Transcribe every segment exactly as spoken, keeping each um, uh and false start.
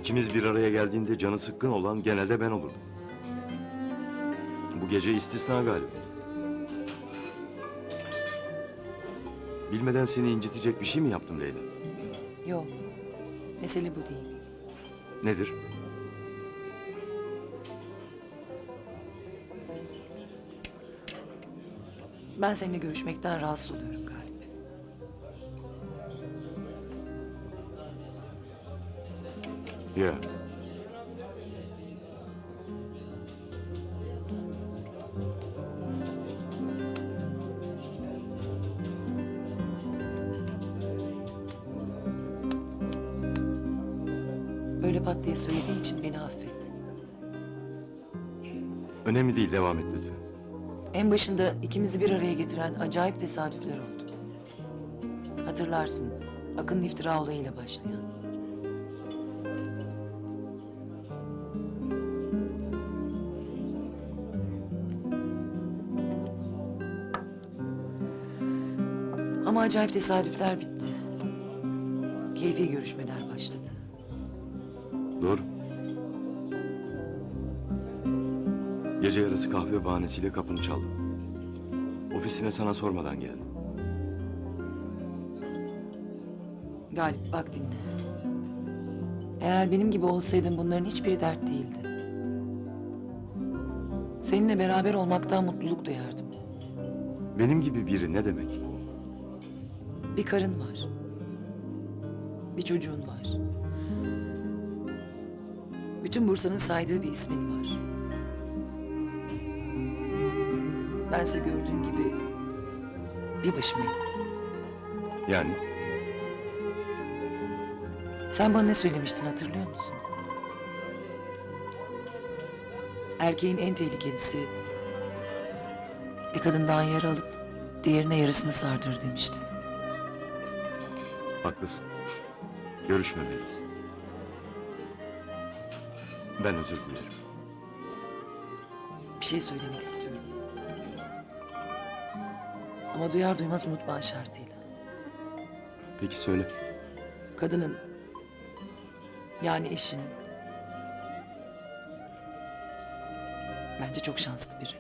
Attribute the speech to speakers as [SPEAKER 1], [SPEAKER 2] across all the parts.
[SPEAKER 1] İkimiz bir araya geldiğinde canı sıkkın olan genelde ben olurdum. Bu gece istisna galiba. Bilmeden seni incitecek bir şey mi yaptım Leyla?
[SPEAKER 2] Yok. Mesele bu değil.
[SPEAKER 1] Nedir?
[SPEAKER 2] Ben seninle görüşmekten rahatsız oluyorum Galip.
[SPEAKER 1] Ya.
[SPEAKER 2] Böyle pat diye söylediğim için beni affet.
[SPEAKER 1] Önemli değil, devam et lütfen.
[SPEAKER 2] En başında ikimizi bir araya getiren acayip tesadüfler oldu. Hatırlarsın, Akın'ın iftira olayıyla başlayan. Ama acayip tesadüfler bitti. Keyfi görüşmeler başladı.
[SPEAKER 1] Dur. Gece yarısı kahve bahanesiyle kapını çaldım. Ofisine sana sormadan geldim.
[SPEAKER 2] Galip bak dinle. Eğer benim gibi olsaydın bunların hiçbiri dert değildi. Seninle beraber olmaktan mutluluk duyardım.
[SPEAKER 1] Benim gibi biri ne demek?
[SPEAKER 2] Bir karın var. Bir çocuğun var. Bütün Bursa'nın saydığı bir ismin var. Bense gördüğün gibi bir başımayım.
[SPEAKER 1] Yani
[SPEAKER 2] Sen bana ne söylemiştin hatırlıyor musun? Erkeğin en tehlikelisi bir kadından yarı alıp diğerine yarısını sardırır demiştin.
[SPEAKER 1] haklısın. Görüşmemeliyiz. Ben özür dilerim.
[SPEAKER 2] Bir şey söylemek istiyorum. Ama duyar duymaz unutma şartıyla.
[SPEAKER 1] Peki söyle.
[SPEAKER 2] Kadının, yani eşin, bence çok şanslı biri.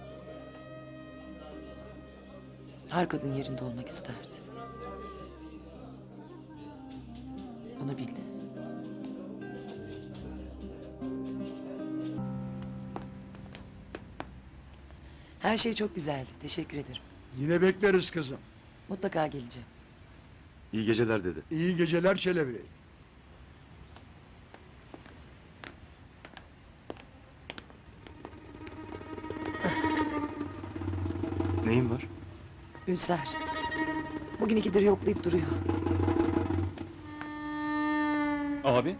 [SPEAKER 2] Her kadın yerinde olmak isterdi. Bunu bil. Her şey çok güzeldi. Teşekkür ederim.
[SPEAKER 3] Yine bekleriz kızım.
[SPEAKER 2] Mutlaka geleceğim.
[SPEAKER 1] İyi geceler dedi.
[SPEAKER 3] İyi geceler Çelebi.
[SPEAKER 1] Neyin var?
[SPEAKER 2] Ülser. Bugün ikidir yoklayıp duruyor.
[SPEAKER 4] Abi.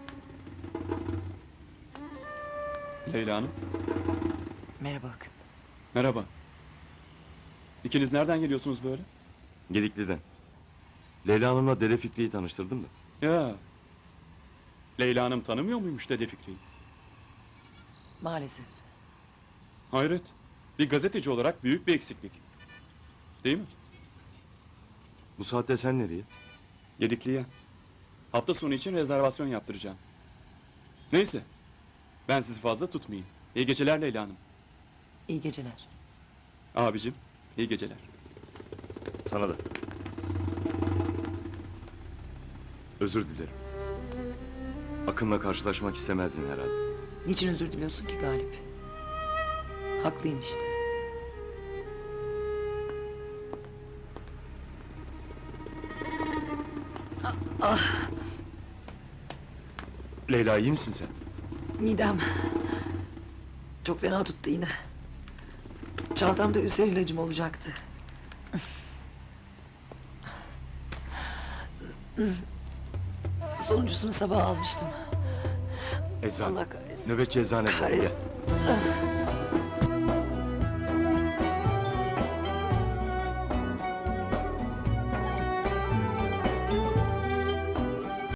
[SPEAKER 4] Leyla Hanım.
[SPEAKER 2] Merhaba Akın.
[SPEAKER 4] Merhaba. İkiniz nereden geliyorsunuz böyle?
[SPEAKER 1] Gedikli'den. Leyla Hanım'la Dede Fikri'yi tanıştırdım da.
[SPEAKER 4] Ya. Leyla Hanım tanımıyor muymuş Dede Fikri'yi?
[SPEAKER 2] Maalesef.
[SPEAKER 4] Hayret. Bir gazeteci olarak büyük bir eksiklik. Değil mi?
[SPEAKER 1] Bu saatte sen nereye?
[SPEAKER 4] Gedikli'ye. Hafta sonu için rezervasyon yaptıracağım. Neyse. Ben sizi fazla tutmayayım. İyi geceler Leyla Hanım.
[SPEAKER 2] İyi geceler.
[SPEAKER 4] Abicim, iyi geceler.
[SPEAKER 1] Sana da. Özür dilerim. Akın'la karşılaşmak istemezdin herhalde.
[SPEAKER 2] Niçin özür diliyorsun ki Galip? Haklıyım işte.
[SPEAKER 1] Leyla, iyi misin sen?
[SPEAKER 2] Midem çok fena tuttu yine. Çantamda ülser ilacım olacaktı. Sonuncusunu sabah almıştım.
[SPEAKER 1] Eczane.
[SPEAKER 2] Allah kahretsin.
[SPEAKER 1] Nöbetçi eczane. Gel.
[SPEAKER 2] Kahretsin.